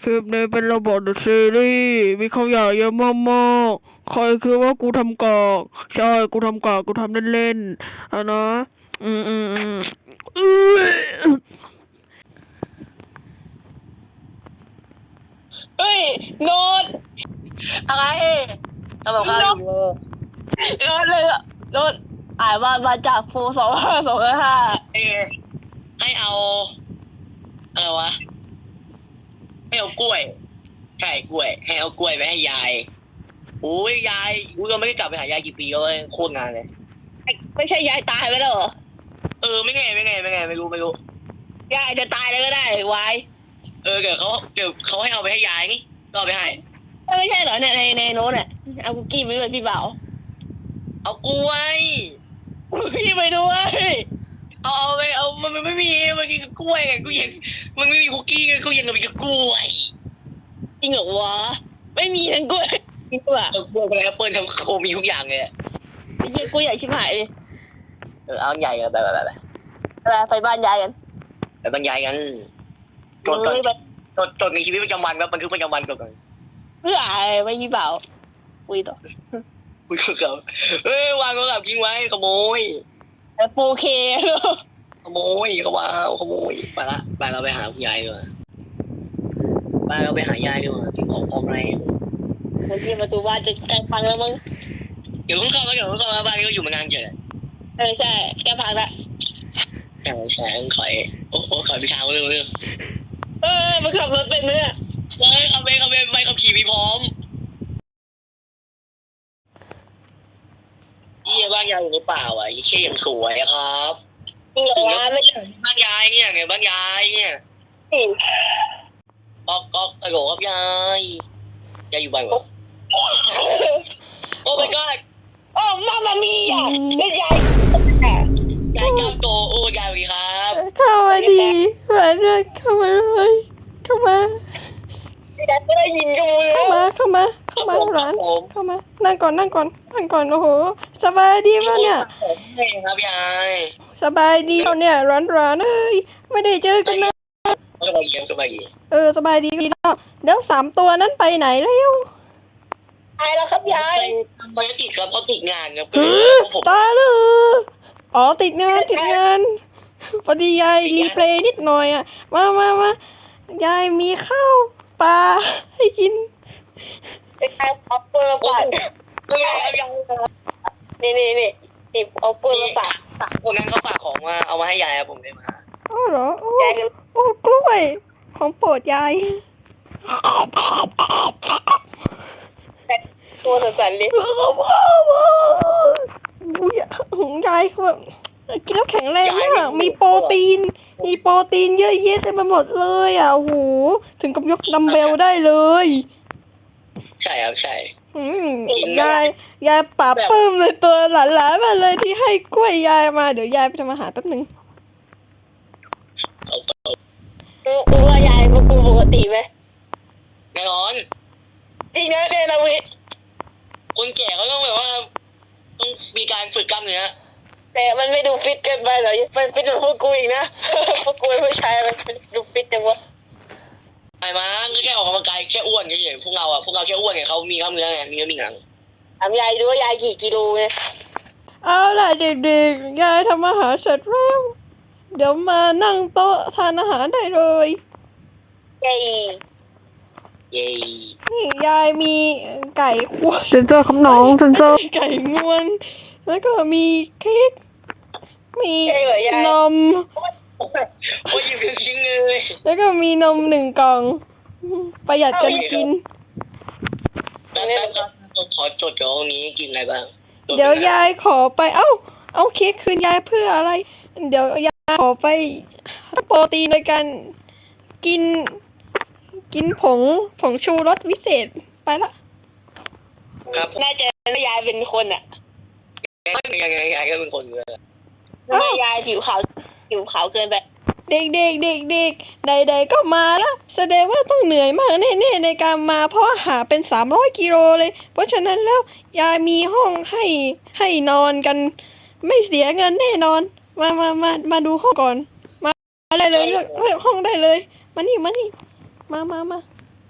คลิปนี้เป็นระบบซีรีส์มีคำหยาบเยอะมากๆใครคือว่ากูทำกากใช่กูทำกากกูทำเล่นๆนะอื้อเฮ้ยโน้ตอะไรทำกับข้าวอยู่โน้ตเลยอะโน้ตอ่านมาจากโฟ2525 ให้เอาอะไรวะให้เอากล้วยใช่กล้วยให้เอากล้วยไปให้ยายโอ้ยยายกูก็ไม่ได้กลับไปหายายกี่ปีแล้วเว้ยโคตรนานเลยไม่ใช่ยายตายไปแล้วเหรอไม่ไงไม่รู้ยายจะตายแล้วก็ได้วายเดี๋ยวเขาให้เอาไปให้ยายนี่ก็เอาไปให้ไม่ใช่เหรอเนี่ยในโน้ตเนี่ยเอาคุกกี้ไปด้วยพี่เบาเอากล้วยพี่ไปด้วยเอาไปเอามันไม่มีมันกินกล้วยไงกูยังมันไม่มีคุกกี้ไงกูยังมีกล้วยจริงเหรอวะไม่มีทั้งกล้วยจริงป่ะกล้วยอะไรแอปเปิ้ลทั้งโคมีทุกอย่างเลยไม่ใช่กล้วยใหญ่ชิบหายเลยเอาใหญ่กันไปบ้านยายกันไปบรรยายกันจดในชีวิตประจำวันครับบันทึกประจำวันก่อนเพื่ออะไรไม่พี่เบาคุยต่อคุยกับวางโทรศัพท์ทิ้งไว้ขโมยโอเคขโมยเขาว่าขโมยไปเราไปหาคุณยายดีกว่าเราไปหายายดีกว่าทิ้งของพร้อมแรงบางทีประตูบ้านจะใกล้พังแล้วมั้งเดี๋ยวเข้ามาบ้านก็อยู่มานานเกินใช่ใกล้พังละใช่ขอยโอ้โหขอยพิชาเรื่องมันขับรถเป็นไหมเนี่ยเอาไปขับขี่มีพร้อมบ้านยายอยู่ในป่าอ่ะยี่เชี่ยยังสวยครับจริงเหรอวะไม่ใช่บ้านยายเนี่ยไงบ้านยายเนี่ยก็ไอ้โหครับยายอยู่บ้านวะโอ้ my god โอ้มามามีอ่ะไม่ยายก้าวโตโอ้ยายวีครับเข้ามาดีมาเลยเข้ามาเลยเข้ามาไม่ได้ยินกันเลยเข้ามาร้านเข้ามานั่งก่อนโอ้โหสบายดีป่ะเนี่ยครับยายสบายดีเนี่ยร้อนเอ้ยไม่ได้เจอกันนะสบายดีสบายดีแล้ว3 ตัวนั้นไปไหนแล้วตายแล้วครับยายไปติดครับเขาติดงานครับตายเลยอ๋อติดงานพอดียายรีเพลย์นิดหน่อยอ่ะมายายมีข้าวปลาให้กินเอาเปลือกปาดนี่เอาเปลือกปาดคนนั้นเขาฝากของมาเอามาให้ยายผมได้มาอ๋อเหรอโอ้กล้วยของโปรดยายตัวสั่นเลยยายคือแบบกินแล้วแข็งแรงมากมีโปรตีนเยอะแยะเต็มไปหมดเลยอ่ะโอ้โหถึงกับยกดัมเบลได้เลยใช่ครับใช่ยายปราบปลื้มเลยตัวหลานๆมาเลยที่ให้กล้วยยายมาเดี๋ยวยายไปทำอาหารแป๊บนึงกูว่ายายกูปกติไหมแน่นอนจริงนะเนี่ยนะวิคนแก่เขาต้องแบบว่าต้องมีการฝึกกล้ามเนื้อแต่มันไม่ดูฟิตเกินไปหรอมันเป็นพวกกูอีกนะพวกกูไม่ใช่มันดูฟิตจังวะไอ้มาก็แค่ออกกำลังกายแค่อ้วนเฉยๆพวกเราแค่อ้วนไงเขามีกล้ามเนื้อไงมีเนื้อมีหนังถามยายดูว่ายายกี่กิโลไงเอาล่ะเด็กๆยายทำอาหารเสร็จแล้วเดี๋ยวมานั่งโต๊ะทานอาหารได้เลยเย้นี่ยายมีไก่ควายเซนเซอร์คำน้องเซนเซอร์ไก่งวนแล้วก็มีเค้กมีนมโอ้ยยิ้มจริงเลยแล้วก็มีนม1 กล่องประหยัดกันกินขอจดตรงนี้กินอะไรบ้างเดี๋ยวยายขอไปเอาเค้กคืนยายเพื่ออะไรเดี๋ยวยายขอไปโปรตีนโดยการกินผงชูรสวิเศษไปละครับน่าจะยายเป็นคนอ่ะยายก็เป็นคนเลยไม่ยายผิวขาวเกินไปเด็กใดๆก็มาแล้วแสดงว่าต้องเหนื่อยมากแน่ๆในการมาเพราะหาเป็น300 กิโลเลยเพราะฉะนั้นแล้วยายมีห้องให้นอนกันไม่เสียเงินแน่นอนมาดูห้องก่อนมาได้เลยเลือกห้องได้เลยมานี่มา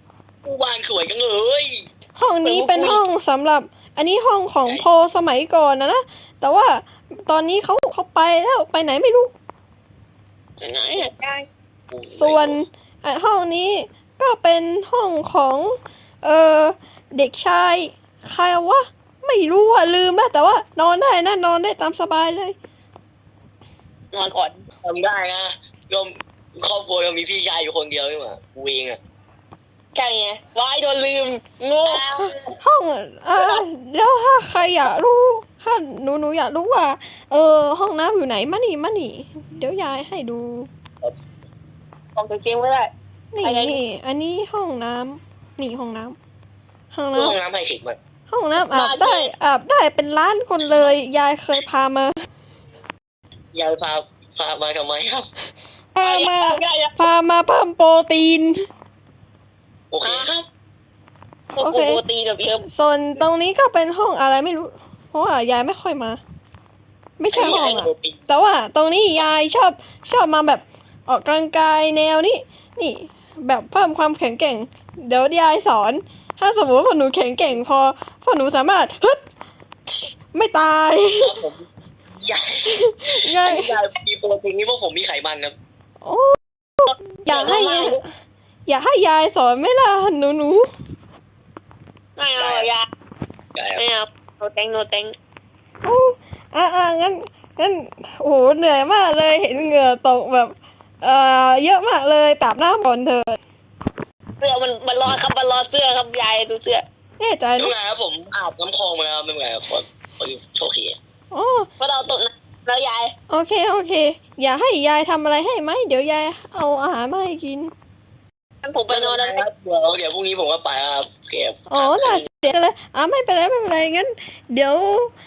บ้านสวยจังเลยห้องนี้เป็นห้องสำหรับ อันนี้ห้องของโพสมัยก่อนนะแต่ว่าตอนนี้เขาไปแล้วไปไหนไม่รู้ไหนอะได้ส่วนห้องนี้ก็เป็นห้องของเด็กชายใครวะไม่รู้อ่ะลืมแล้วแต่ว่านอนได้นะนอนได้ตามสบายเลยนอนก่อนทำได้นะก็ครอบครัวเรามีพี่ชายอยู่คนเดียวนี่หว่ากูเองอะใช่ไงวายโดนลืมโง่ห้องแล้วถ้าใครอยากรู้ถ้าหนูอยากรู้ว่าห้องน้ำอยู่ไหนมานี่เดี๋ยวยายให้ดูออกจากเกมไม่ได้นี่อะไรนี่อันนี้ห้องน้ำนี่ห้องน้ำห้องห้องน้ำน้ำไฮเทคมันห้องน้ำอาบได้เป็นล้านคนเลยยายเคยพามายายพามาทำไมครับพามาได้ยังพามาเพิ่มโปรตีนโอเคครับพวกกูโปรตีนแบบเยอะส่วนตรงนี้ก็เป็นห้องอะไรไม่รู้ เพราะว่ายายไม่ค่อยมา ไม่ใช่ห้องอะแต่ว่าตรงนี้ยายชอบมาแบบออกกำลังกายแนวนี้นี่ แบบเพิ่มความแข็งแกร่ง เดี๋ยวยายสอน ถ้าสมมติว่าพอหนูแข็งแกร่งพอหนูสามารถฮึดไม่ตายครับผมยายยายมีโปรตีนนี่พวกผมมีไขมันครับโอ้อยากให้ยายสอนไหมล่ะหนูไม่เอายาได้ครับไม่เอาโนแตงโนแตงโอ้งั้นโอ้โหเหนื่อยมากเลยเห็นเหงื่อตกแบบเยอะมากเลยปราบน้ำก่อนเถอะเสื้อมันร้อนครับมันร้อนเสื้อครับยายดูเสื้อแน่ใจไม่นะเป็นไรครับผมอาบน้ำคลองมาแล้วไม่เป็นไรครับขอโชคดีอ๋อเพราะเราตกน้ำแล้วยายโอเคอย่าให้ยายทำอะไรให้ไหมเดี๋ยวยายเอาอาหารมาให้กินงั้นผมไปนอนแล้วครับเดี๋ยวพรุ่งนี้ผมก็ไปครับโอเคครับอ๋อน่าเสียเลยไม่เป็นไรงั้นเดี๋ยว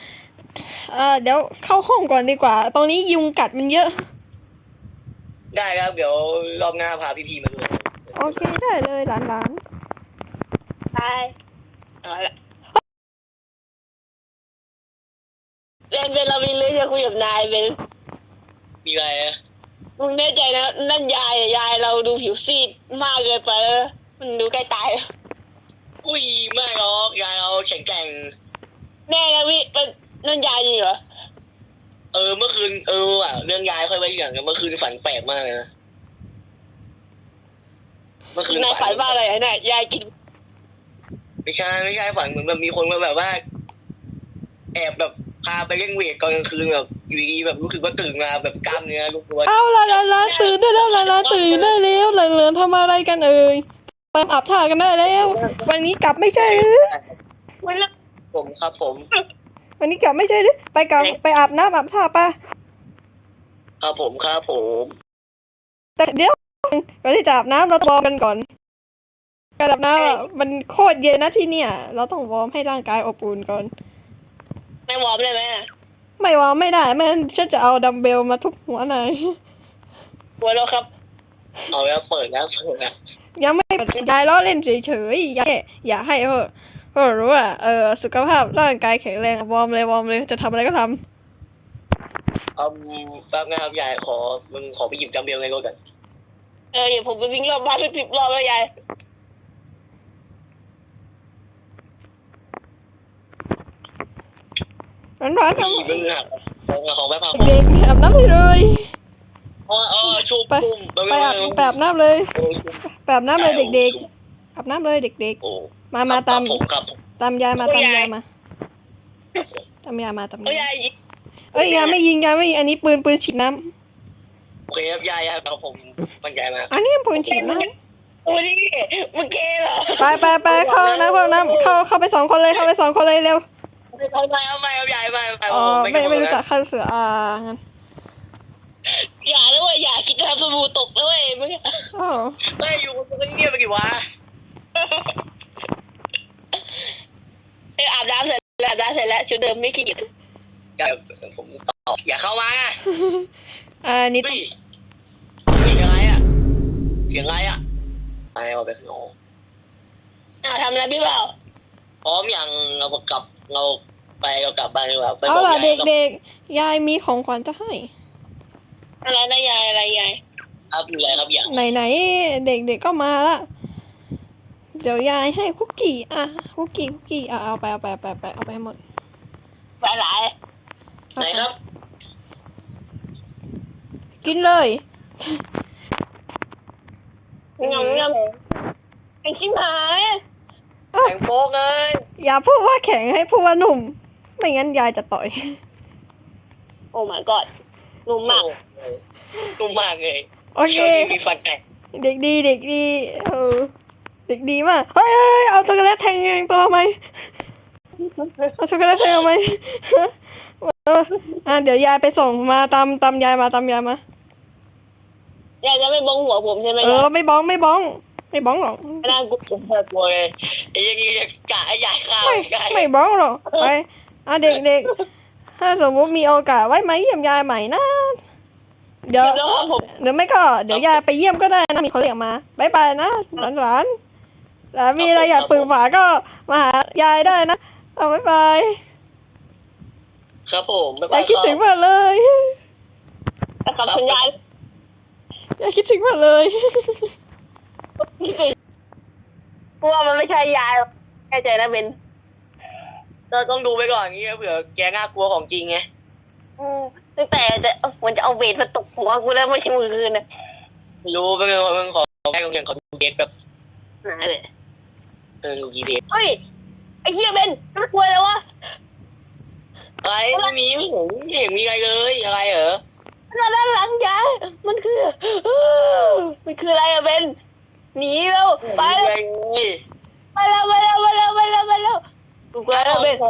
เข้าห้องก่อนดีกว่า ตรงนี้ยุงกัดมันเยอะได้ครับเดี๋ยวรอบหน้าพาพี่ๆมาด้วยโอเคได้เลยหลานตายเอาละเป็นเรามีเรื่องจะคุยกับนายเป็นมีอะไรอะมึงแน่ใจนะนั่นยายอะยายเราดูผิวซีดมากเกินไปแล้วมันดูใกล้ตายอุ้ยไม่หรอกยายเราแข็งแกร่งแน่นะพี่เป็นนั่นยายจริงเหรอเมื่อคืนว่ะเรื่องยายค่อยไว้อย่างกันเมื่อคืนฝันแปลกมากเลยนะเมื่อคืนนายฝันว่าอะไรอะนายยายกินไม่ใช่ฝันเหมือนแบบมีคนมาแบบว่า แอบแบบพาไปเล่นเวทตอนกลางคืนแบบอยู่ดีๆแบบรู้สึกว่าตื่นมาแบบกล้ามเนื้อลุกตัวเอาหลานตื่นได้แล้วหลานตื่นได้แล้วเหลือทำอะไรกันเอ่ยไปอาบท่ากันได้แล้ว วันนี้กลับไม่ใช่หรือมันละผมครับผมวันนี้กลับไม่ใช่หรือไปอาบน้ำอาบท่าป่ะครับผมแต่เดี๋ยวก่อนที่จะอาบน้ำเราวอร์มกันก่อนการอาบน้ำมันโคตรเย็นนะที่เนี่ย เราต้องวอร์มให้ร่างกายอบอุ่นก่อนไม่วอร์มได้ไหมอะไม่วอร์มไม่ได้ไม่งั้นฉันจะเอาดัมเบลมาทุบหัวนายหัวเราะครับเอาแล้วเปิดแล้วยังไม่ยายล้อเล่นเฉยๆอย่าให้รู้ว่าสุขภาพร่างกายแข็งแรงวอร์มเลยจะทำอะไรก็ทำแป๊บนะครับยายมึงขอไปหยิบจัมเบลในรถกันเดี๋ยวผมไปวิ่งรอบบ้านสัก10 รอบแล้วยายร้อนๆพี่มึงหักของแป๊บพังเด็กๆอาบน้ำให้เลยชูปุ่มไปอาบน้ำเลยไปอาบน้ำเลยเด็กๆอาบน้ำเลยเด็กโอ้ๆมาตามผมครับตามยายมาตามยายมายายเอ้ยยายไม่ยิงอันนี้ปืนฉีดน้โอเคครับยายครับผมมั่นใจมากำอันนี้ปืนฉีดน้โอ้ยมึงเกย์เหรอำไปเข้าน้ำเข้าไป2 คนเลยเร็วเอาไม่ครับยายไม่อ๋อไม่รู้จักข้าเสืองั้นอย่าแล้วเว้ยอย่าคิดจะทำสบู่ตกแล้วเว้ยมึงอ๋อไม่อยู่คนเงียบไปกี่วะอาบน้ำเสร็จแล้วชุดเดิมไม่ขี้เกียจผมตอบอย่าเข้ามานี่เฮ้ยเสียงอะไรอ่ะไปเอาไปข้างนอกทำอะไรพี่เปล่าพร้อมอย่างเรากลับบ้านดีกว่าเอาล่ะเด็กๆยายมีของขวัญจะให้อะไรนะยายอะไรยายครับอยู่ไรครับอย่างไหนเด็กๆก็มาละเดี๋ยวยายให้คุกกี้อ่ะคุกกี้อ่ะเอาไปเอาไปให้หมดไปไหนไหนครับกินเลยงำไอ้ชิบหายแข่งโป๊กเลยอย่าพูดว่าแข็งให้พูดว่าหนุ่ม ไม่งั้นยายจะต่อยโอ้ my god นุ่มมากนุ่มมากเลยโอเคช่วงนี้มีฟันแตกเด็กดีเด็กดีเด็กดีมากเฮ้ยเอาช็อกโกแลตแทงยังตัวไหมเอาช็อกโกแลตแทงไหมเดี๋ยวยายไปส่งมาตามยายมายายจะไม่บงหัวผมใช่ไหมไม่บ้องหรอกไม่น่ากูน่ากลัวเลยไอ้ยังงี้จะกะไอ้ใหญ่ข้าวไม่บ้องหรอกไปเด็กถ้าสมมติมีโอกาสไว้มาเยี่ยมยายใหม่นะเดี๋ยวแล้วผมหรือไม่ก็เดี๋ยวยายไปเยี่ยมก็ได้นะมีคนเรียกมาบายบายนะหลานแล้วมีอะไรอยากปรึกษาก็มาหายายได้นะเอาบายบายครับผมบ๊ายยาบาย ยคิดถึงมากเลยกับคุณยายยายคิดถึงมากเลยกลัวมันไม่ใช่ยายแค่ใจนะเบนเราต้องดูไปก่อนงี้เผื่อแกน่ากลัวของจริงไงตั้งแต่มันจะเอาเบสมาตกหัวกูแล้วไม่ใช่มือคืนนะรู้ไปเลยว่ามึงขอแค่โรงเรียนขอดูเกตแบบไหนเลยดูกีเดตเฮ้ยไอ้เหี้ยเบนน่ากลัวเลยวะอะไรไม่มีไม่เห็นมีอะไรเลยอะไรเหรอด้านหลังยายมันคืออะไรอะเบนหนีแล้วไปไม่มีแล้อะวไรเลยไปแล้วกูกลัวแล้วเบน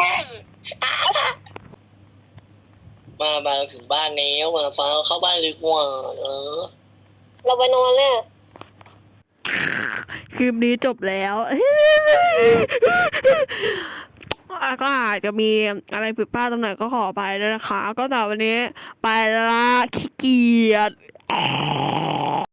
มาถึงบ้านแล้วมาฟ้าเข้าบ้านดีกว่าเราไปนอนเนี่ยคลิปนี้จบแล้ว ก็อาจจะมีอะไรผิดพลาดตรงไหนก็ขอไปด้วยนะคะ ก็แต่วันนี้ไปละขี้เกียจ